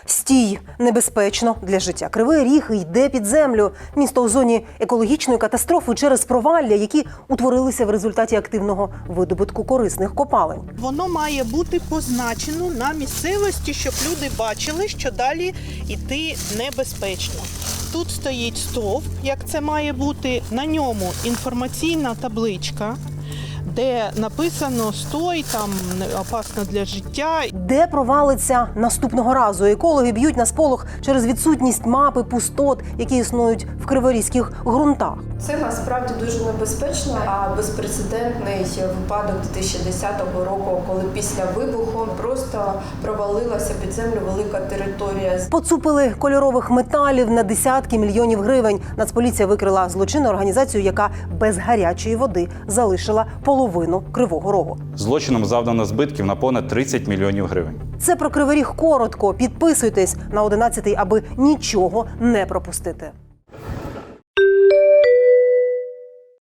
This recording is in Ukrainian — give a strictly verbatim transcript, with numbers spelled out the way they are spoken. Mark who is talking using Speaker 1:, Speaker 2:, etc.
Speaker 1: Стій! Небезпечно для життя. Кривий Ріг йде під землю. Місто у зоні екологічної катастрофи через провалля, які утворилися в результаті активного видобутку корисних копалин.
Speaker 2: Воно має бути позначено на місцевості, щоб люди бачили, що далі йти небезпечно. Тут стоїть стовп, як це має бути, на ньому інформаційна табличка, де написано «Стой, там опасно для життя».
Speaker 1: Де провалиться наступного разу? Екологи б'ють на сполох через відсутність мапи пустот, які існують в криворізьких ґрунтах.
Speaker 3: Це насправді дуже небезпечно, а безпрецедентний випадок дві тисячі десятого року, коли після вибуху просто провалилася під землю велика територія.
Speaker 1: Поцупили кольорових металів на десятки мільйонів гривень. Нацполіція викрила злочинну організацію, яка без гарячої води залишила половину Кривого Рогу.
Speaker 4: Злочином завдано збитків на понад тридцять мільйонів гривень.
Speaker 1: Це про Кривий Ріг коротко. Підписуйтесь на одинадцятий, аби нічого не пропустити.